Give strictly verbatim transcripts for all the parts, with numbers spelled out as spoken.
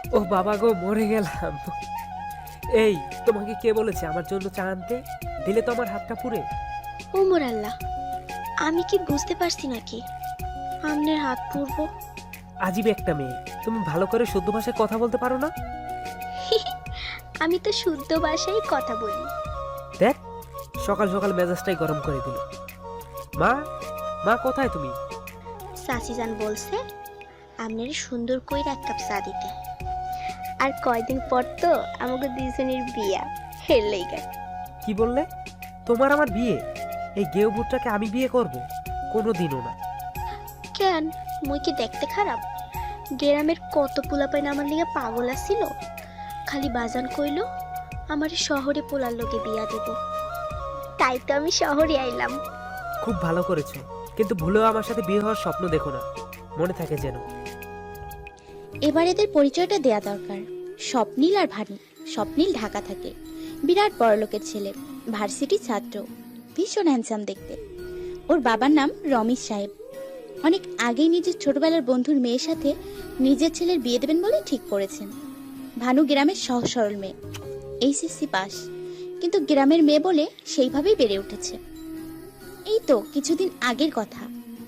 ও বাবা গো, মরে গেলাম। এই, তোমাকে কে বলেছে আমার জন্য চা আনতে? দিলে তো আমার হাতটা পুড়ে। ওমর আল্লাহ, আমি কি বুঝতে পারছি নাকি আমনের হাত পুরবো? আজীব একটা মেয়ে, তুমি ভালো করে শুদ্ধ ভাষায় কথা বলতে পারো না? আমি তো শুদ্ধ ভাষায় কথা বলি। দেখ, সকাল সকাল মেজাজটাই গরম করে দিল। মা, মা কোথায় তুমি? সাসিজান বলছে আমনের সুন্দর কইরা এক কাপ চা দিতে। আর কয়দিন পর তো আমাকে দুইজনের বিয়া, হেরলেই গা। কি বললে? তোমার আমার বিয়ে? এই গেও ভুট্টাকে আমি বিয়ে করব? কোনো দিনও না। কেন, মুই কি দেখতে খারাপ? গ্রামের কত পোলাপাইন আমার লিগে পাগল আসিল। খালি বাজান কইল আমার শহরে পোলার লোকে বিয়া দিব। তাই তো আমি শহরে আইলাম। খুব ভালো করেছো, কিন্তু ভুলেও আমার সাথে বিয়ে হওয়ার স্বপ্ন দেখো না, মনে থাকে যেন। এবার এদের পরিচয়টা দেয়া দরকার। স্বপ্নীল আর ভানু। স্বপ্নীল ঢাকা থাকে, বিরাট বড়লোকের ছেলে, ভার্সিটি ছাত্র, ভীষণ হ্যান্ডসাম দেখতে। ওর বাবার নাম রমেশ সাহেব। অনেক আগেই নিজের ছোটবেলার বন্ধুর মেয়ের সাথে নিজের ছেলের বিয়ে দেবেন বলে ঠিক করেছেন। ভানু গ্রামের সহজ সরল মেয়ে, এইচএসসি পাস, কিন্তু গ্রামের মেয়ে বলে সেইভাবেই বেড়ে উঠেছে। এই তো কিছুদিন আগের কথা।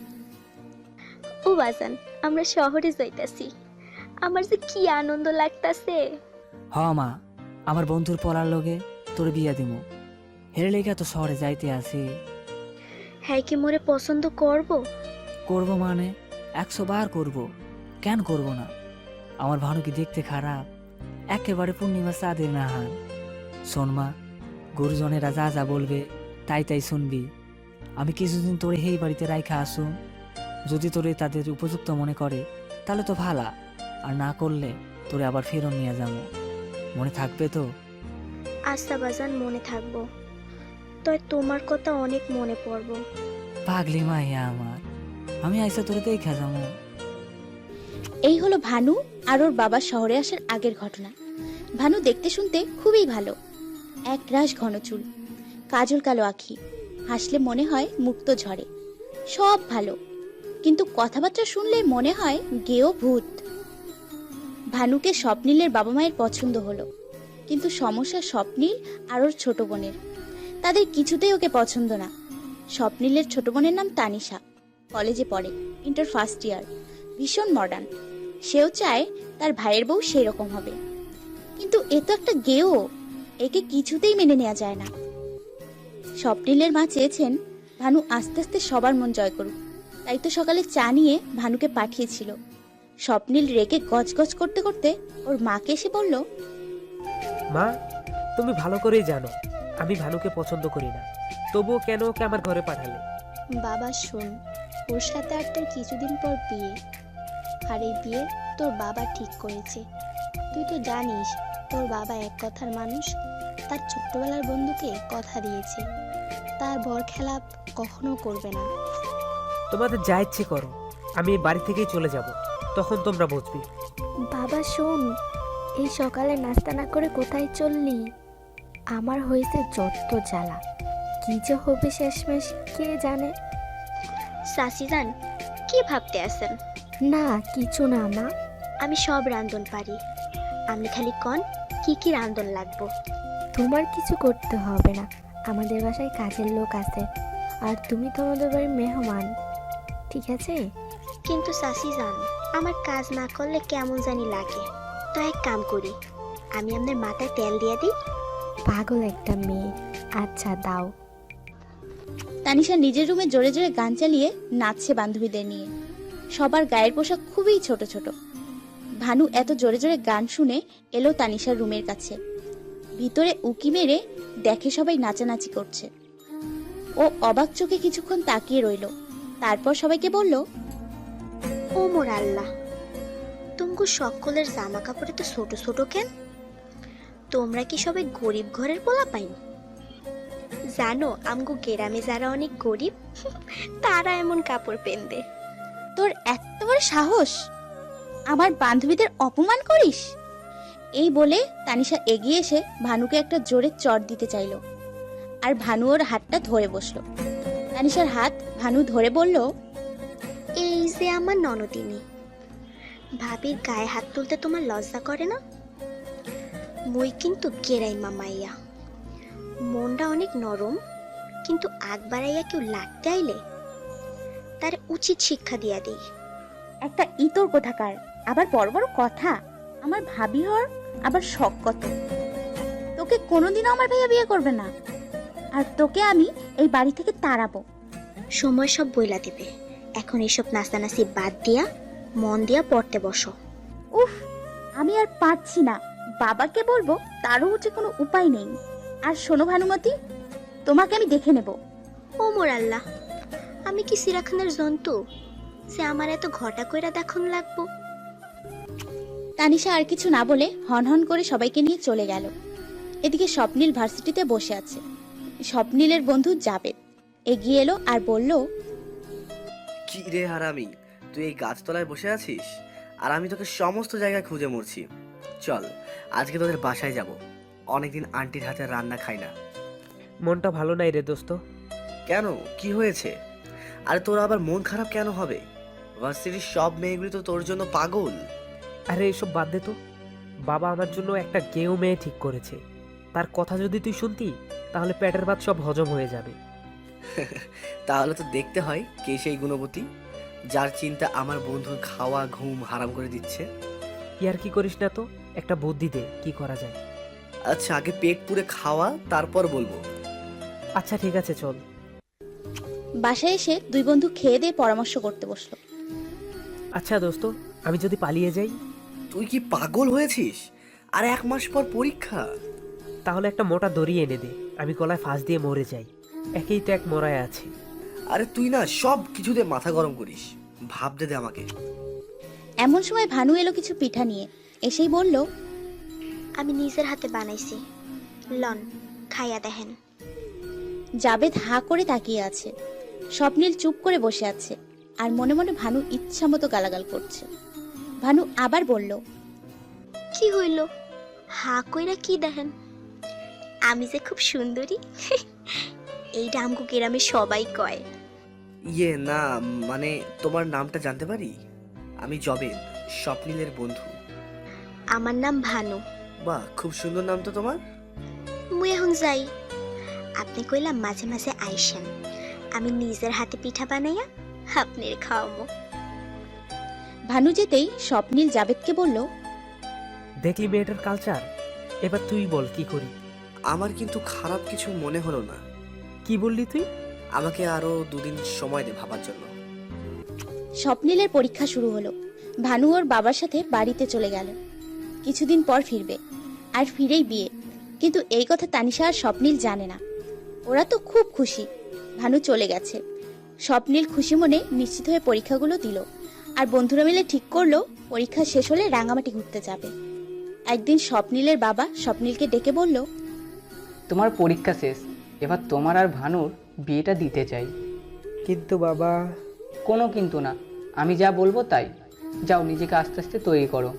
ও বাজান, আমরা শহরে যাইতাছি। আমার যে কি আনন্দ লাগতাছে। হ মা, আমার বন্ধুর পলার লগে তোর বিয়া দিমু। হেরে লেগে তো শহরে যাইতে আসি। হ্যাঁ, কি মোরে পছন্দ করব? করব মানে একশো বার করব, কেন করব না? আমার ভানু কি দেখতে খারাপ? একেবারে পূর্ণিমা চাঁদের নাহান। শোন মা, গুরুজনেরা যা যা বলবে তাই তাই শুনবি। আমি কিছুদিন তোরে এই বাড়িতে রাইখা আসুন। যদি তোরে তাদের উপযুক্ত মনে করে তাহলে তো ভালা, আর না করলে তোরে আবার ফেরত নিয়ে যাবো। মনে থাকবে তো? আচ্ছা বাজান, মনে থাকবো। তয় তোমার কথা অনেক মনে পড়বো। পাগলি মাইয়া আমার, আমি আইসা তোরে দেখা যাবো। এই হলো ভানু আর ওর বাবা শহরে আসার আগের ঘটনা। ভানু দেখতে শুনতে খুবই ভালো, এক রাশ ঘন চুল, কাজল কালো আঁখি, হাসলে মনে হয় মুক্ত ঝরে, সব ভালো, কিন্তু কথাবার্তা শুনলে মনে হয় গেও ভূত। ভানুকে স্বপ্নীলের বাবা মায়ের পছন্দ হলো, কিন্তু সমস্যা স্বপ্নীল আর ওর ছোট বোনের। তাদের কিছুতেই ওকে পছন্দ না। স্বপ্নীলের ছোট বোনের নাম তানিশা, কলেজে পড়ে, ইন্টার ফার্স্ট ইয়ার, ভীষণ মডার্ন। সেও চায় তার ভাইয়ের বউ সেই রকম হবে, কিন্তু এ তো একটা গেও, একে কিছুতেই মেনে নেওয়া যায় না। স্বপ্নীলের মা চেয়েছেন ভানু আস্তে আস্তে সবার মন জয় করুক, তাই তো সকালে চা নিয়ে ভানুকে পাঠিয়েছিল। স্বপ্নীল রেগে গজগজ করতে করতে ওর মাকে এসে বলল, মা, তুমি ভালো করেই জানো আমি ভানুকে পছন্দ করি না, তবুও কেন ওকে আমার ঘরে পাঠালে? বাবা শোন, ওর সাথে আর তোর কিছুদিন পর বিয়ে, আর এই বিয়ে তোর বাবা ঠিক করেছে। তুই তো জানিস তোর বাবা এক কথার মানুষ। তার ছোট্টবেলার বন্ধুকে কথা দিয়েছে, তার বর খেলাপ কখনো করবে না। তোমাদের যা ইচ্ছে করো, আমি এই বাড়ি থেকেই চলে যাব, তখন তোমরা বুঝবি। বাবা শোন, এই সকালে নাস্তা না করে কোথায় চললি? আমার হয়েছে যত জ্বালা, কি যে হবে শেষমেশ কে জানে। সাসিজান, কি ভাবতে আছেন? না কিছু না মা। আমি সব রান্ধন পারি, আপনি খালি কন কি কি রান্ধন লাগবো। তোমার কিছু করতে হবে না, আমাদের বাসায় কাজের লোক আছে, আর তুমি তো আমাদের বাড়ির মেহমান, ঠিক আছে? কিন্তু সাসিজান, আমার কাজ না করলে কেমন জানি লাগে। তো এক কাম করি, আমি আপনার মাথায় তেল দিয়ে দিই। পাগল একটা মেয়ে। আচ্ছা দাও। তানিশা নিজের রুমে জোরে জোরে গান চালিয়ে নাচছে বান্ধবীদের নিয়ে। সবার গায়ের পোশাক খুবই ছোট ছোট। ভানু এত জোরে জোরে গান শুনে এলো তানিশার রুমের কাছে। ভিতরে উকি মেরে দেখে সবাই নাচানাচি করছে। ও অবাক চোখে কিছুক্ষণ তাকিয়ে রইল, তারপর সবাইকে বলল, ও মোর আল্লাহ, তুমকু সকলের জামা কাপড়ে তো ছোট ছোট কেন? তোমরা কি সবাই গরিব ঘরের পোলা পাইন? জানো আমগো গ্রামে যারা অনেক গরিব তারা এমন কাপড় পেনদে। তোর এত বড় সাহস, আমার বান্ধবীদের অপমান করিস? এই বলে তানিশা এগিয়ে এসে ভানুকে একটা জোরে চড় দিতে চাইল, আর ভানু ওর হাতটা ধরে বসলো। তানিশার হাত ভানু ধরে বলল, এই যে আমার ননদিনী, ভাবির গায়ে হাত তুলতে তোমার লজ্জা করে না? মুই কিন্তু গেরাইমা মাইয়া, মনটা অনেক নরম, কিন্তু আগ বাড়াইয়া কেউ লাগতে আইলে তার উচিত শিক্ষা দিয়া দেই। একটা ইতর কোথাকার, আবার বড় বড় কথা। আমার ভাবি হর আবার শখ কত। তোকে কোনোদিনও আমার ভাইয়া বিয়ে করবে না, আর তোকে আমি এই বাড়ি থেকে তাড়াবো। সময় সব বইলা দিবে। এখন এসব নাস্তানাসি বাদ দিয়া মন দিয়া পড়তে বসো। উফ, আমি আর পারছি না। বাবাকে বলবো, তারও হচ্ছে কোনো উপায় নেই। আর শোনো ভানুমতি, তোমাকে আমি দেখে নেব। ও মোর আল্লাহ, আমি কি সিরাখানের জন্তু যে আমার এত ঘটা কইরা দেখন লাগবো? তানিশা আর কিছু না বলে হনহন করে সবাইকে নিয়ে চলে গেল। এদিকে স্বপ্নীল ভার্সিটিতে বসে আছে। স্বপ্নীলের বন্ধু জাবেদ এগিয়ে এলো আর বলল, কি রে হারামি, তুই এই গাছতলায় বসে আছিস আর আমি তোকে সমস্ত জায়গায় খুঁজে মরছি। চল আজকে তোদের বাসায় যাব, অনেকদিন আন্টির হাতে রান্না খাই না। মনটা ভালো নাই রে দোস্ত। কেন, কি হয়েছে? আরে তোর আবার মন খারাপ কেন হবে? ভার্সিটির সব মেয়েগুলি তো তোর জন্য পাগল। আরে এসব বাদ দে তো। বাবা আমার জন্য একটা গেও মেয়ে ঠিক করেছে। তার কথা যদি তুই শুনতি তাহলে পেটের ভাত সব হজম হয়ে যাবে। তাহলে তো দেখতে হয় কে সেই গুণবতী যার চিন্তা আমার বন্ধুর খাওয়া ঘুম হারাম করে দিচ্ছে। ইয়ার কি করিস না তো, একটা বুদ্ধি দে কি করা যায়। আচ্ছা আগে পেট পুরে খাওয়া, তারপর বলবো। আচ্ছা ঠিক আছে চল। বাসায় এসে দুই বন্ধু খেয়ে দিয়ে পরামর্শ করতে বসলো। আচ্ছা দোস্ত, আমি যদি পালিয়ে যাই? তুই কি পাগল হয়েছিস? আর এক মাস পর পরীক্ষা। তাহলে একটা মোটা দড়ি এনে দে, আমি গলায় ফাঁস দিয়ে মরে যাই। একেই তো এক মরায় আছি। আরে তুই না সব কিছুতে মাথা গরম করিস, ভাবতে দে আমাকে। এমন সময় ভানু এলো কিছু পিঠা নিয়ে। এসেই বলল, আমি নিজের হাতে বানাইছি, লন খাইয়া দেখেন। জাবেদ হা করে তাকিয়ে আছে। স্বপ্নীল চুপ করে বসে আছে আর মনে মনে ভানু ইচ্ছা মতো গালাগাল করছে। ভানু আবার বলল, কি হইল? হা কইরা কি দেখেন? আমি যে খুব সুন্দরী এইটা আমগো গ্রামে সবাই কয়। ইয়ে না, মানে তোমার নামটা জানতে পারি? আমি জবেদ, স্বপ্নীলের বন্ধু। আমার নাম ভানু। বাহ, খুব সুন্দর নাম তো তোমার। মুই এখন যাই, আপনি কইলাম মাঝে মাঝে আইসেন, আমি নিজের হাতে পিঠা বানাইয়া আপনার খাওয়াবো। ভানু যেতেই স্বপ্নীল জাবেদকে বলল, দেখলি মেয়েটার কালচার। এবার তুই বল কি করি। আমার কিন্তু খারাপ কিছু মনে হলো না। কি বললি তুই? আমাকে আরো দুদিন সময় দে ভাবার জন্য। স্বপ্নীলের পরীক্ষা শুরু হলো। ভানু ওর বাবার সাথে বাড়িতে চলে গেল। কিছুদিন পর ফিরবে, আর ফিরেই বিয়ে। কিন্তু এই কথা তানিশা আর স্বপ্নীল জানে না। ওরা তো খুব খুশি ভানু চলে গেছে। স্বপ্নীল খুশি মনে নিশ্চিত হয়ে পরীক্ষাগুলো দিল, আর বন্ধুরা মিলে ঠিক করলো পরীক্ষা শেষ হলে রাঙামাটি ঘুরতে যাবে। একদিন স্বপ্নীলের বাবা স্বপ্নীলকে ডেকে বলল, তোমার পরীক্ষা শেষ, এবার তোমার আর ভানুর বিয়েটা দিতে চাই। কিন্তু বাবা। কোনো কিন্তু না, আমি যা বলবো তাই। যাও নিজেকে আস্তে আস্তে তৈরি করো।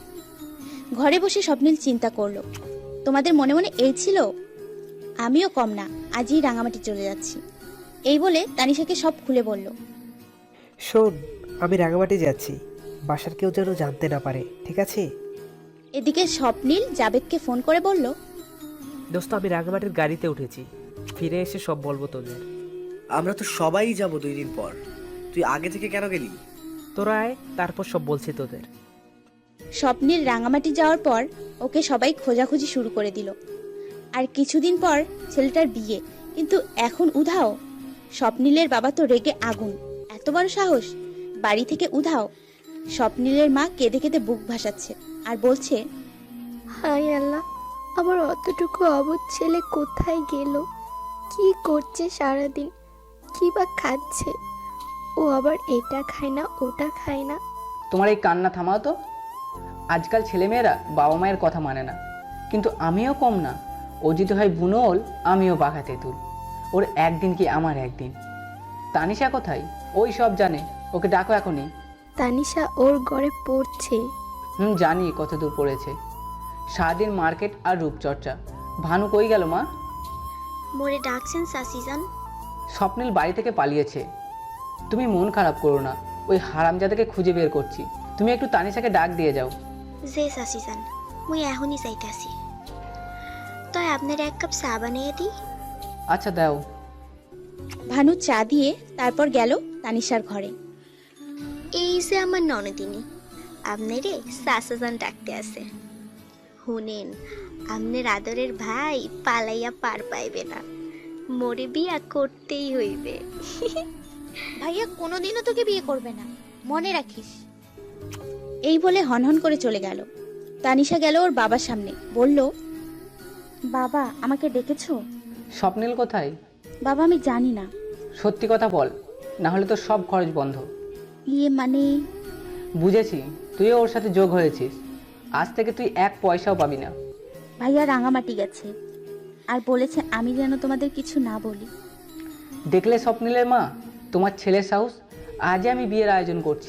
ঘরে বসে স্বপ্নীল চিন্তা করলো, তোমাদের মনে মনে এই ছিল? আমিও কম না, আজই রাঙামাটি চলে যাচ্ছি। এই বলে তানিশাকে সব খুলে বলল। শোন, আমি রাঙামাটি যাচ্ছি, বাসার কেউ যেন জানতে না পারে, ঠিক আছে? এদিকে স্বপ্নীল জাবেদকে ফোন করে বলল, দোস্ত আমি রাঙামাটির গাড়িতে উঠেছি, ফিরে এসে সব বলবো তোদের। আমরা তো সবাই যাব দুই দিন পর, তুই আগে থেকে কেন গেলি? তোরা আয়, তারপর সব বলছি তোদের। স্বপ্নীল রাঙামাটি যাওয়ার পর ওকে সবাই খোঁজাখুঁজি শুরু করে দিল। আর কিছুদিন পর ছেলেটার বিয়ে, কিন্তু এখন উধাও। স্বপ্নীলের বাবা তো রেগে আগুন, এত বড় সাহস, বাড়ি থেকে উধাও। স্বপ্নীলের মা কেঁদে কেঁদে বুক ভাসাচ্ছে আর বলছে, হায় আল্লাহ, আমার অতটুকু অবুঝ ছেলে কোথায় গেল? কি করছে সারাদিন? কি বা খাচ্ছে? ও আবার এটা খায় না, ওটা খায় না। তোমার এই কান্না থামাও তো। আজকাল ছেলেমেয়েরা বাবা মায়ের কথা মানে না, কিন্তু আমিও কম না। ও যদি হয় বুনোল, আমিও বাঘা তেঁতুল। ওর একদিন কি আমার একদিন। তানিশা কোথায়? ওই সব জানে, ওকে ডাকো এখনই। তানিশা ওর ঘরে পড়ছে। হুম, জানি কত দূর পড়েছে। সারাদিন মার্কেট আর রূপচর্চা। ভানু কই গেল মা? মোরে ডাকছেন সাসিজান? স্বপ্নীল বাড়ি থেকে পালিয়েছে। তুমি মন খারাপ করো না, ওই হারামজাদাকে খুঁজে বের করছি। তুমি একটু তানিশাকে ডাক দিয়ে যাও। যে চাচি যান, মুই এখনই যাইতাছি। তয় আপনার এক কাপ চা বানিয়ে দিই। আচ্ছা দাও। ভানু চা দিয়ে তারপর গেল তানিশার ঘরে। এই যে আমার ননদিনী, আপনারে চাচাজান ডাকতে আছে। শুনেন, আপনার আদরের ভাই পালাইয়া পার পাইবে না, মোরে বিয়া করতেই হইবে। ভাইয়া কোনোদিনও তোকে বিয়ে করবে না, মনে রাখিস। এই বলে হনহন করে চলে গেল। তানিশা গেল ওর বাবার সামনে, বলল, বাবা আমাকে ডেকেছো? স্বপ্নিল কোথায়? বাবা আমি জানি না। সত্যি কথা বল, না হলে তো সব খরচ বন্ধ। ইয়ে মানে, বুঝেছি, তুইও ওর সাথে যোগ হয়েছিস। আজ থেকে তুই এক পয়সাও পাবি না। ভাইয়া রাঙামাটি গেছে আর বলেছে আমি যেন তোমাদের কিছু না বলি। দেখলে স্বপ্নিলের মা, তোমার ছেলের সাহস। আজই আমি বিয়ের আয়োজন করছি।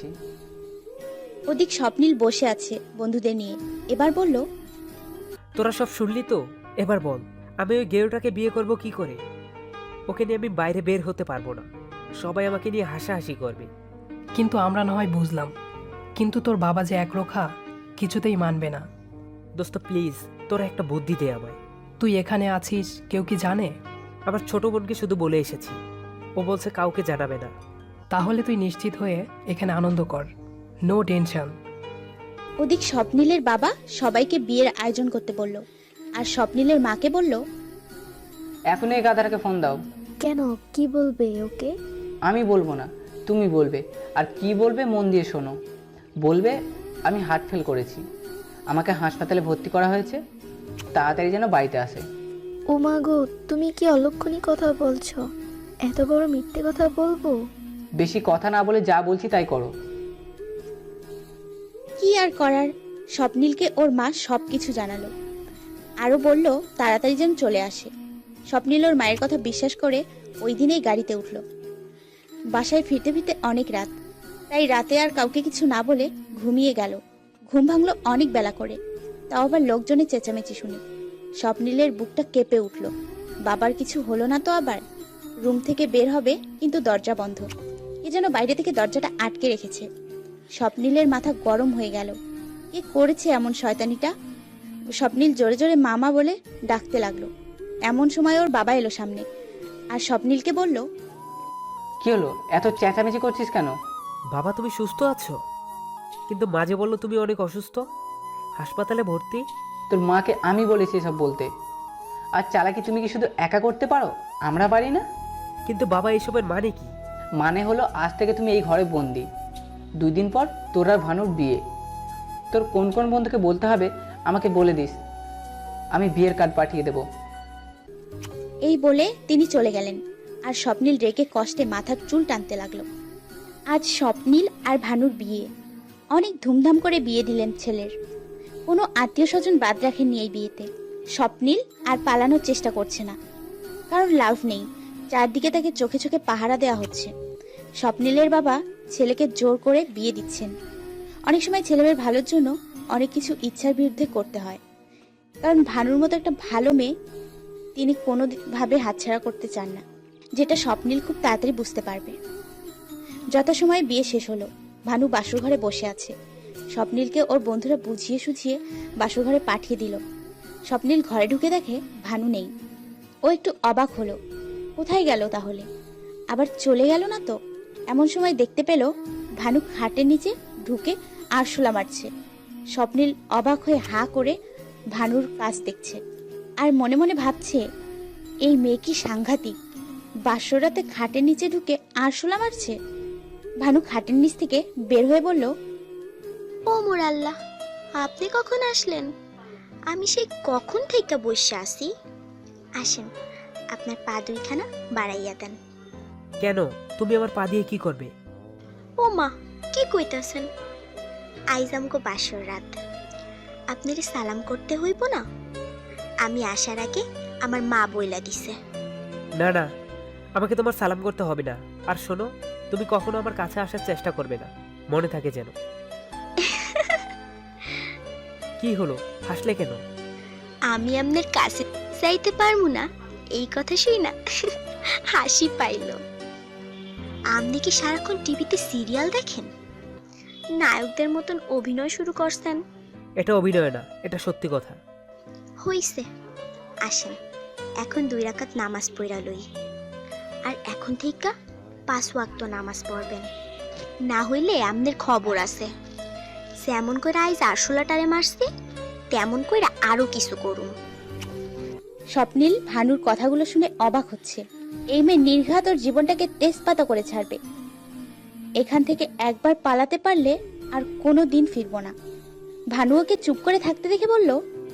ওদিক স্বপ্নিল বসে আছে বন্ধুদের নিয়ে, এবার বলল, তোরা সব শুনলি তো? এবার বল, আমি ওই গেরোটাকে বিয়ে করব কি করে? ওকে নিয়ে আমি বাইরে বের হতে পারবো না, সবাই আমাকে নিয়ে হাসাহাসি করবে। কিন্তু আমরা না হয় বুঝলাম, কিন্তু তোর বাবা যে একরোখা, কিছুতেই মানবে না। দোস্ত প্লিজ, তোরা একটা বুদ্ধি দে আমায়। তুই এখানে আছিস, কেউ কি জানে? আমার ছোট বোনকে শুধু বলে এসেছি, ও বলছে কাউকে জানাবে না। তাহলে তুই নিশ্চিত হয়ে এখানে আনন্দ কর, নো টেনশন। ওদিক স্বপ্নিলের বাবা সবাইকে বিয়ের আয়োজন করতে বলল, আর স্বপ্নিলের মাকে বলল, এখন এই গাধাটাকে ফোন দাও। কেন, কি বলবে ওকে? আমি বলবো না, তুমি বলবে। আর কি বলবে মন দিয়ে শোনো। বলবে আমি হার্ট ফেল করেছি, আমাকে হাসপাতালে ভর্তি করা হয়েছে, তাড়াতাড়ি যেন বাড়িতে আসে। ও মা গো, তুমি কি অলক্ষণী কথা বলছো? এত বড় মিথ্যে কথা বলবো? বেশি কথা না বলে যা বলছি তাই করো। কি আর করার, স্বপ্নিলকে ওর মা সব কিছু জানালো, আরও বলল তাড়াতাড়ি যেন চলে আসে। স্বপ্নিল ওর মায়ের কথা বিশ্বাস করে ওই দিনেই গাড়িতে উঠল। বাসায় ফিরতে ফিরতে অনেক রাত, তাই রাতে আর কাউকে কিছু না বলে ঘুমিয়ে গেল। ঘুম ভাঙলো অনেক বেলা করে, তাও আবার লোকজনের চেঁচামেচি শুনে। স্বপ্নিলের বুকটা কেঁপে উঠল, বাবার কিছু হলো না তো আবার? রুম থেকে বের হবে কিন্তু দরজা বন্ধ, এ যেন বাইরে থেকে দরজাটা আটকে রেখেছে। স্বপ্নিলের মাথা গরম হয়ে গেল, কে করেছে এমন শয়তানিটা? স্বপ্নিল জোরে জোরে মামা বলে ডাকতে লাগলো। এমন সময় ওর বাবা এলো সামনে, আর স্বপ্নিলকে বলল, কি হলো, এত চেঁচামেচি করছিস কেন? বাবা তুমি সুস্থ আছো? কিন্তু মাঝে বললো তুমি অনেক অসুস্থ, হাসপাতালে ভর্তি। তোর মাকে আমি বলেছি এসব বলতে। আর চালাকি তুমি কি শুধু একা করতে পারো, আমরা পারি না? কিন্তু বাবা এসবের মানে কি? মানে হলো আজ থেকে তুমি এই ঘরে বন্দি। দুই দিন পর তোর আর ভানুর বিয়ে। তোর কোন কোন বন্ধুকে বলতে হবে আমাকে বলে দিস, আমি বিয়ের কার্ড পাঠিয়ে দেব। এই বলে তিনি চলে গেলেন, আর স্বপ্নিল রেগে কষ্টে মাথার চুল টানতে লাগলো। আজ স্বপ্নিল আর ভানুর বিয়ে, অনেক ধুমধাম করে বিয়ে দিলেন ছেলের। কোনো আত্মীয় স্বজন বাদ রাখেননি এই বিয়েতে। স্বপ্নিল আর পালানোর চেষ্টা করছে না, কারণ লাভ নেই, চারদিকে তাকে চোখে চোখে পাহারা দেওয়া হচ্ছে। স্বপ্নিলের বাবা ছেলেকে জোর করে বিয়ে দিচ্ছেন। অনেক সময় ছেলেমেয়ের ভালোর জন্য অনেক কিছু ইচ্ছার বিরুদ্ধে করতে হয়, কারণ ভানুর মতো একটা ভালো মেয়ে তিনি কোনোভাবে হাতছাড়া করতে চান না, যেটা স্বপ্নিল খুব তাড়াতাড়ি বুঝতে পারবে। যথাসময়ে বিয়ে শেষ হলো, ভানু বাসর ঘরে বসে আছে। স্বপ্নিলকে ওর বন্ধুরা বুঝিয়ে সুঝিয়ে বাসর ঘরে পাঠিয়ে দিল। স্বপ্নিল ঘরে ঢুকে দেখে ভানু নেই। ও একটু অবাক হলো, কোথায় গেল তাহলে? আবার চলে গেল না তো? এমন সময় দেখতে পেল ভানু খাটের নিচে ঢুকে আরশোলা মারছে। স্বপ্নিল অবাক হয়ে হাঁ করে ভানুর কাজ দেখছে, আর মনে মনে ভাবছে, এই মেয়ে কি সাংঘাতিক, বাসরাতে খাটের নিচে ঢুকে আরশোলা মারছে। ভানু খাটের নিচ থেকে বের হয়ে বলল, ও মোর আল্লাহ, আপনি কখন আসলেন? আমি সেই কখন থেকে বসে আসি। আসেন, আপনার পা দুইখানা বাড়াইয়া দেন। কেন, তুমি আমার পা দিয়ে কি করবে? ও মা, কি কইতাছেন? আইজ আমগো বাসর রাত, আপনারে সালাম করতে হইব না? আমি আসার আগে আমার মা বইলা দিছে। না না, আমাকে তোমার সালাম করতে হবে না। আর শোনো, তুমি কখনো আমার কাছে আসার চেষ্টা করবে না, মনে থাকে যেন। কি হলো, হাসলে কেন? আমি আপনার কাছে যাইতে পারবো না এই কথা শুই না হাসি পাইল। আপনি কি সারাক্ষণ টিভিতে সিরিয়াল দেখেন? নায়কদের মতন অভিনয় শুরু করছেন। এটা অভিনয় না, এটা সত্যি কথা। হইছে, আসেন এখন দুই রাকাত নামাজ পড়া লই। আর এখন থেকে পাঁচ ওয়াক্ত নামাজ পড়বেন, না হইলে আমাদের খবর আছে। যেমন করে আইজ আরশোলাটারে মারছে তেমন করে আরো কিছু করুন। স্বপ্নীল ভানুর কথাগুলো শুনে অবাক হচ্ছে। এই মেয়ে নির্ঘাত ওর জীবনটাকে তেজপাতা করে ছাড়বে। এখান থেকে একবার পালাতে পারলে আর কোনো দিন ফিরবো না। ভানু ওকে চুপ করে থাকতে দেখে বলল,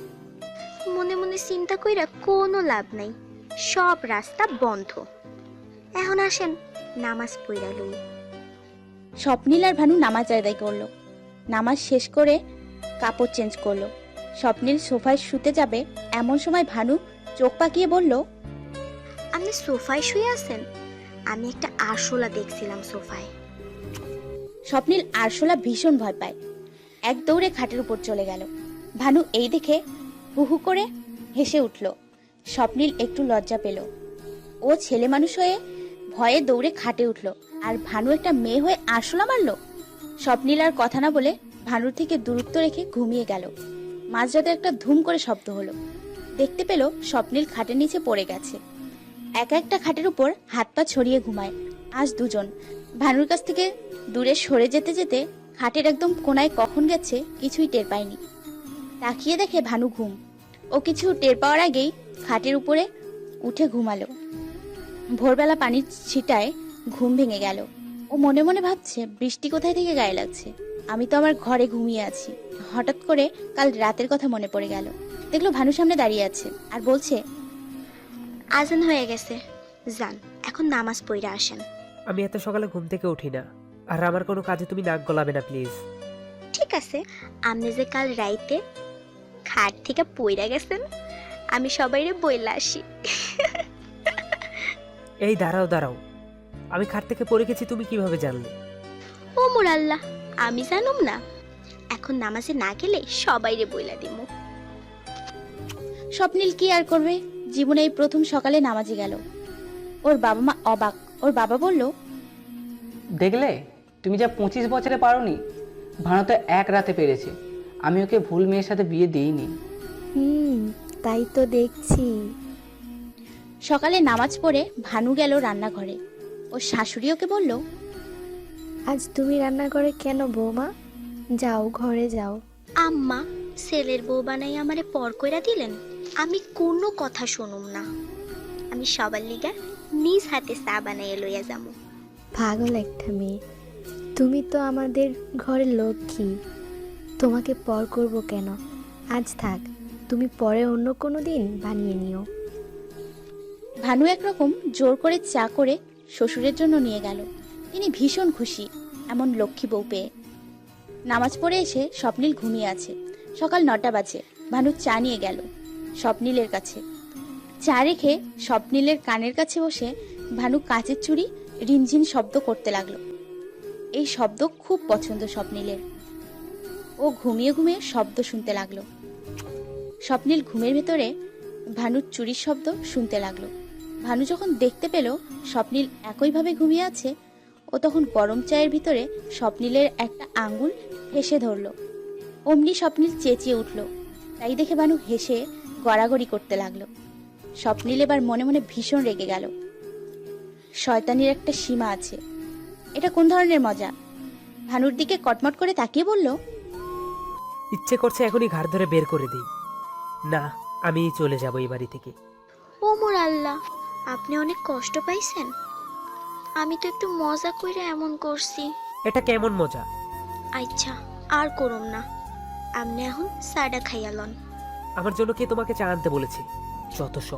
মনে মনে চিন্তা কইরা কোনো লাভ নাই, সব রাস্তা বন্ধ। এখন আসেন নামাজ পড়া লই। স্বপ্নীল আর ভানু নামাজ আদায় করলো। নামাজ শেষ করে কাপড় চেঞ্জ করলো। স্বপ্নীল সোফায় শুতে যাবে এমন সময় ভানু চোখ পাকিয়ে বলল, আপনি সোফায় শুয়ে আছেন? আমি একটা আরশোলা দেখছিলাম সোফায়। স্বপ্নীল আরশোলা ভীষণ ভয় পায়, এক দৌড়ে খাটের উপর চলে গেল। ভানু এই দেখে হু হু করে হেসে উঠল। স্বপ্নীল একটু লজ্জা পেল। ও ছেলে মানুষ হয়ে ভয়ে দৌড়ে খাটে উঠল, আর ভানু একটা মেয়ে হয়ে আরশোলা মারল। স্বপ্নীল আর কথা না বলে ভানুর থেকে দূরত্ব রেখে ঘুমিয়ে গেল। মাঝরাতে একটা ধুম করে শব্দ হলো। দেখতে পেল স্বপ্নীল খাটের নিচে পড়ে গেছে। একা একটা খাটের উপর হাত পা ছড়িয়ে ঘুমায় আজ দুজন। ভানুর কাছ থেকে দূরে সরে যেতে যেতে খাটের একদম কোনায় কখন গেছে কিছুই টের পায়নি। তাকিয়ে দেখে ভানু ঘুম। ও কিছু টের পাওয়ার আগেই খাটের উপরে উঠে ঘুমালো। ভোরবেলা পানির ছিটায় ঘুম ভেঙে গেল। ও মনে মনে ভাবছে, বৃষ্টি কোথায় থেকে গায়ে লাগছে, আমি তো আমার ঘরে ঘুমিয়ে আছি। হঠাৎ করে কাল রাতের কথা মনে পড়ে গেল। দেখলো ভানু সামনে দাঁড়িয়ে আছে আর বলছে, আজান হয়ে গেছে, যান এখন নামাজ পড়া আসেন। আমি এত সকালে ঘুম থেকে উঠি না, আর আমার কোনো কাজে তুমি নাক গলাবে না প্লিজ। ঠিক আছে, আপনি যে কাল রাইতে খাট থেকে পইরা গেছেন, আমি সবাইরে বইলা আসি। এই দাঁড়াও দাঁড়াও, আমি খাট থেকে পড়ে গেছি তুমি কিভাবে জানলে? ও মোর আল্লাহ, আমি জানুম না? এখন নামাজে না গেলে সবাইরে বইলা দিমু। স্বপ্নীল কি আর করবে, জীবনে এই প্রথম সকালে নামাজে গেল। ওর বাবা মা অবাক। ওর বাবা বলল, দেখলে তুমি যা পঁচিশ বছরে পারোনি, ভানু তো এক রাতে পেরেছে। আমি ওকে ভুল মেয়ের সাথে বিয়ে দিইনি। হুম, তাই তো দেখছি। সকালে নামাজ পড়ে ভানু গেল রান্নাঘরে। ওর শাশুড়ি ওকে বলল, আজ তুমি রান্না করে কেন বৌমা? যাও ঘরে যাও। আম্মা, ছেলের বউ বানাই আমারে পর কইরা দিলেন, আমি কোনো কথা শুনুম না। আমি সবার লিগা নিজ হাতে চা বানাইয়া লইয়া যামু। পাগল একটা মেয়ে, তুমি তো আমাদের ঘরের লক্ষ্মী, তোমাকে পর করব কেন? আজ থাক, তুমি পরে অন্য কোনো দিন বানিয়ে নিও। ভানু একরকম জোর করে চা করে শ্বশুরের জন্য নিয়ে গেল। তিনি ভীষণ খুশি এমন লক্ষ্মী বউ পেয়ে। নামাজ পড়ে এসে স্বপ্নীল ঘুমিয়ে আছে। সকাল নটা বাজে। ভানু চা নিয়ে গেল স্বপ্নীলের কাছে। চা রেখে স্বপ্নীলের কানের কাছে বসে ভানু কাচের চুড়ি রিনঝিন শব্দ করতে লাগলো। এই শব্দ খুব পছন্দ স্বপ্নীলের। ও ঘুমিয়ে ঘুমিয়ে শব্দ শুনতে লাগলো। স্বপ্নীল ঘুমের ভেতরে ভানুর চুরির শব্দ শুনতে লাগলো। ভানু যখন দেখতে পেল স্বপ্নীল একইভাবে ঘুমিয়ে আছে, ও তখন গরম চায়ের ভিতরে স্বপ্নীলের একটা আঙ্গুল হেসে ধরল। অমনি স্বপ্নীল চেঁচিয়ে উঠল। তাই দেখে ভানু হেসে গড়াগড়ি করতে লাগলো। স্বপ্নীল এবার মনে মনে ভীষণ রেগে গেল। শয়তানির একটা সীমা আছে। এটা কোন ধরনের মজা? ভানুর দিকে কটমট করে তাকিয়ে বলল, ইচ্ছে করছে এখনই ঘাড় ধরে বের করে দিই। না, আমি চলে যাব এই বাড়ি থেকে। ও মোর আল্লাহ, আপনি অনেক কষ্ট পাইছেন? আমি তো একটু মজা কইরা এমন করছি। এটা কেমন মজা? আচ্ছা, আর করুম না। আপনি এখন সাডা খাইয়া লন। আমার জন্য কে তোমাকে চা আনতে বলেছে? যত সব।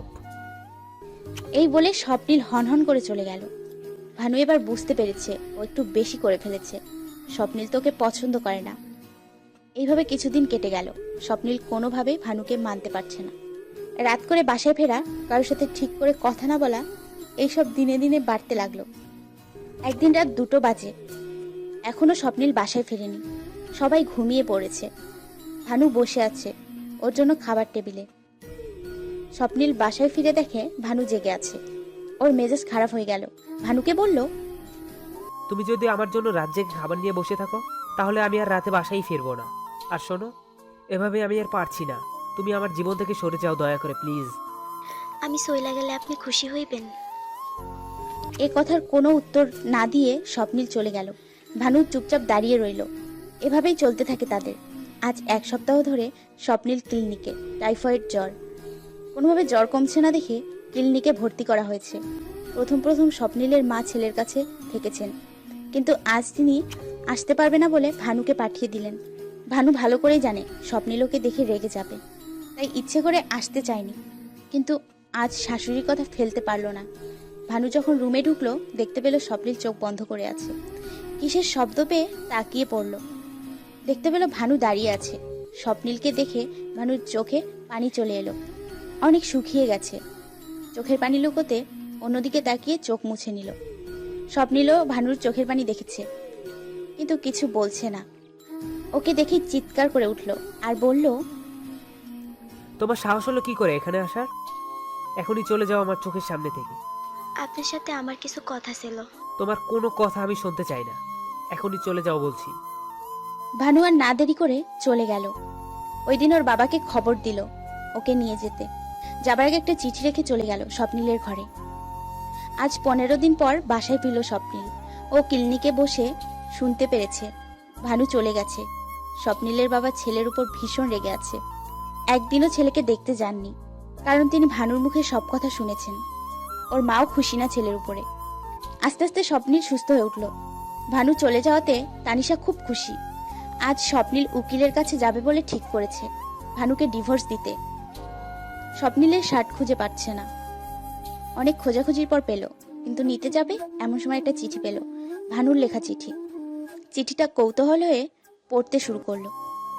এই বলে স্বপ্নীল হনহন করে চলে গেল। ভানু এবার বুঝতে পেরেছে ও একটু বেশি করে ফেলেছে। স্বপ্নীল তোকে পছন্দ করে না। এইভাবে কিছুদিন কেটে গেল। স্বপ্নীল কোনোভাবে ভানুকে মানতে পারছে না। রাত করে বাসায় ফেরা, কারোর সাথে ঠিক করে কথা না বলা, এইসব দিনে দিনে বাড়তে লাগলো। একদিন রাত দুটো বাজে। এখনো স্বপ্নীল বাসায় ফেরেনি। সবাই ঘুমিয়ে পড়েছে। ভানু বসে আছে ওর জন্য খাবার টেবিলে। স্বপ্নীল বাসায় ফিরে দেখে ভানু জেগে আছে। ওর মেজাজ খারাপ হয়ে গেল। ভানুকে বলল, তুমি যদি আমার জন্য রাত জেগে খাবার নিয়ে বসে থাকো তাহলে আমি আর রাতে বাসায় ফিরবো না। আর শোনো, এভাবে আমি আর পারছি না। তুমি আমার জীবন থেকে সরে যাও দয়া করে, প্লিজ। আমি সইলা গেলে আপনি খুশি হইবেন? এ কথার কোনো উত্তর না দিয়ে স্বপ্নিল চলে গেল। ভানু চুপচাপ দাঁড়িয়ে রইল। এভাবেই চলতে থাকে তাদের। আজ এক সপ্তাহ ধরে স্বপ্নিল ক্লিনিকে, টাইফয়েড জ্বর। কোনোভাবে জ্বর কমছে না দেখে ক্লিনিকে ভর্তি করা হয়েছে। প্রথম প্রথম স্বপ্নিলের মা ছেলের কাছে থেকেছেন, কিন্তু আজ তিনি আসতে পারবে না বলে ভানুকে পাঠিয়ে দিলেন। ভানু ভালো করেই জানে স্বপ্নিল ওকে দেখে রেগে যাবে, তাই ইচ্ছে করে আসতে চায়নি। কিন্তু আজ শাশুড়ির কথা ফেলতে পারলো না। ভানু যখন রুমে ঢুকলো দেখতে পেল স্বপ্নিল চোখ বন্ধ করে আছে। কিসের শব্দ পেয়ে তাকিয়ে পড়ল। দেখতে পেল ভানু দাঁড়িয়ে আছে। স্বপ্নিলকে দেখে ভানুর চোখে পানি চলে এলো। অনেক শুকিয়ে গেছে। চোখের পানি লুকোতে অন্যদিকে তাকিয়ে চোখ মুছে নিল। স্বপ্নিলও ভানুর চোখের পানি দেখেছে, কিন্তু কিছু বলছে না। ওকে দেখে চিৎকার করে উঠল আর বলল, তোমার সাহস হলো কি করে এখানে আসার? এখনই চলে যাও আমার চোখের সামনে থেকে। আপনার সাথে আমার কিছু কথা ছিল। তোমার কোনো কথা আমি শুনতে চাই না। এখনই চলে যাও বলছি। ভানু আর না দেরি করে চলে গেল। ওই দিন ওর বাবাকে খবর দিল ওকে নিয়ে যেতে। যাবার আগে একটা চিঠি রেখে চলে গেল স্বপ্নিলের ঘরে। আজ পনেরো দিন পর বাসায় ফিরল স্বপ্নিল। ও ক্লিনিকে বসে শুনতে পেরেছে ভানু চলে গেছে। স্বপ্নিলের বাবা ছেলের উপর ভীষণ রেগে আছে। একদিনও ছেলেকে দেখতে যাননি, কারণ তিনি ভানুর মুখে সব কথা শুনেছেন। ওর মাও খুশি না ছেলের উপরে। আস্তে আস্তে স্বপ্নিল সুস্থ হয়ে উঠল। ভানু চলে যাওয়াতে তানিশা খুব খুশি। আজ স্বপ্নিল উকিলের কাছে যাবে বলে ঠিক করেছে ভানুকে ডিভোর্স দিতে। স্বপ্নিলের শার্ট খুঁজে পাচ্ছে না। অনেক খোঁজাখুঁজির পর পেল, কিন্তু নিতে যাবে এমন সময় একটা চিঠি পেল, ভানুর লেখা চিঠি। চিঠিটা কৌতূহল হয়ে পড়তে শুরু করলো।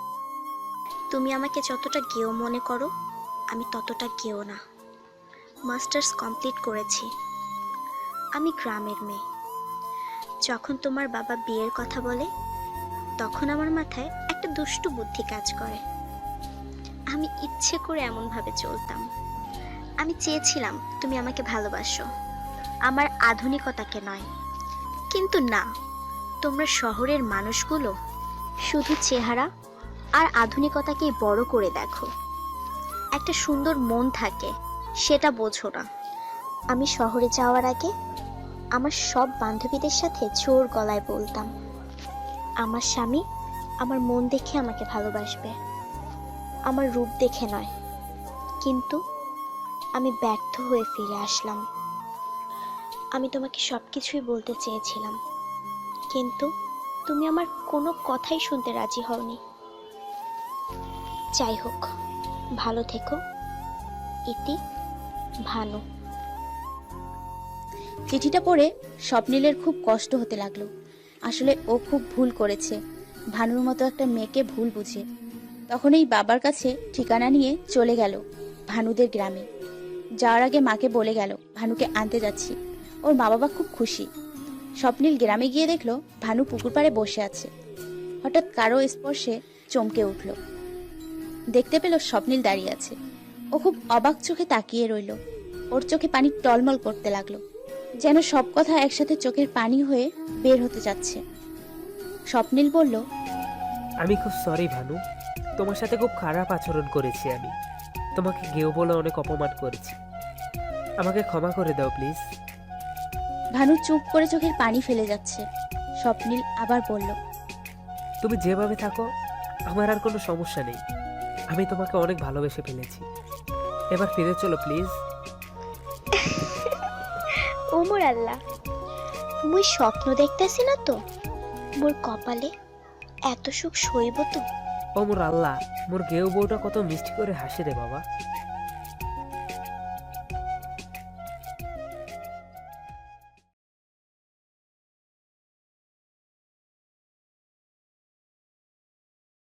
তুমি আমাকে যতটা গেও মনে করো, আমি ততটা গেও না। মাস্টার্স কমপ্লিট করেছি। আমি গ্রামের মেয়ে। যখন তোমার বাবা বিয়ের কথা বলে তখন আমার মাথায় একটা দুষ্টু বুদ্ধি কাজ করে। আমি ইচ্ছে করে এমনভাবে চলতাম। আমি চেয়েছিলাম তুমি আমাকে ভালোবাসো, আমার আধুনিকতাকে নয়। কিন্তু না, তোমরা শহরের মানুষগুলো শুধু চেহারা আর আধুনিকতাকেই বড় করে দেখো। একটা সুন্দর মন থাকে, সেটা বোঝো না। আমি শহরে যাওয়ার আগে আমার সব বান্ধবীদের সাথে জোর গলায় বলতাম, আমার স্বামী আমার মন দেখে আমাকে ভালোবাসবে, আমার রূপ দেখে নয়। কিন্তু আমি ব্যর্থ হয়ে ফিরে আসলাম। আমি তোমাকে সব কিছুই বলতে চেয়েছিলাম, কিন্তু তুমি আমার কোনো কথাই শুনতে রাজি হওনি। যাই হোক, ভালো থেকো। ইতি, ভানু। চিঠিটা পড়ে স্বপ্নিলের খুব কষ্ট হতে লাগলো। আসলে ও খুব ভুল করেছে, ভানুর মতো একটা মেয়েকে ভুল বুঝে। তখন এই বাবার কাছে ঠিকানা নিয়ে চলে গেল ভানুদের গ্রামে। যাওয়ার আগে মাকে বলে গেল ভানুকে আনতে যাচ্ছি। ওর মা বাবা খুব খুশি। স্বপ্নিল গ্রামে গিয়ে দেখলো ভানু পুকুর পাড়ে বসে আছে। হঠাৎ কারো স্পর্শে চমকে উঠল। দেখতে পেল স্বপ্নিল দাঁড়িয়ে আছে। ও খুব অবাক চোখে তাকিয়ে রইল। ওর চোখে পানি টলমল করতে লাগলো, যেন সব কথা একসাথে চোখের পানি হয়ে বের হতে যাচ্ছে। স্বপ্নিল বলল, আমি খুব সরি ভানু, তোমার সাথে খুব খারাপ আচরণ করেছি। আমি তোমাকে গেও বলে অনেক অপমান করেছি। আমাকে ক্ষমা করে দাও প্লিজ। ভানু চুপ করে চোখের পানি ফেলে যাচ্ছে। স্বপ্নিল আবার বলল, তুমি যেভাবে থাকো আমার আর কোনো সমস্যা নেই। আমি তোমাকে অনেক ভালোবেসে ফেলেছি। এবার ফিরে চলো প্লিজ। ওমর আল্লাহ, মুই স্বপ্ন দেখতেছি না তো? মোর কপালে এত সুখ সইব তো? ও মোর আল্লাহ, মোর গেও বউটা কত মিষ্টি করে হাসে রে বাবা।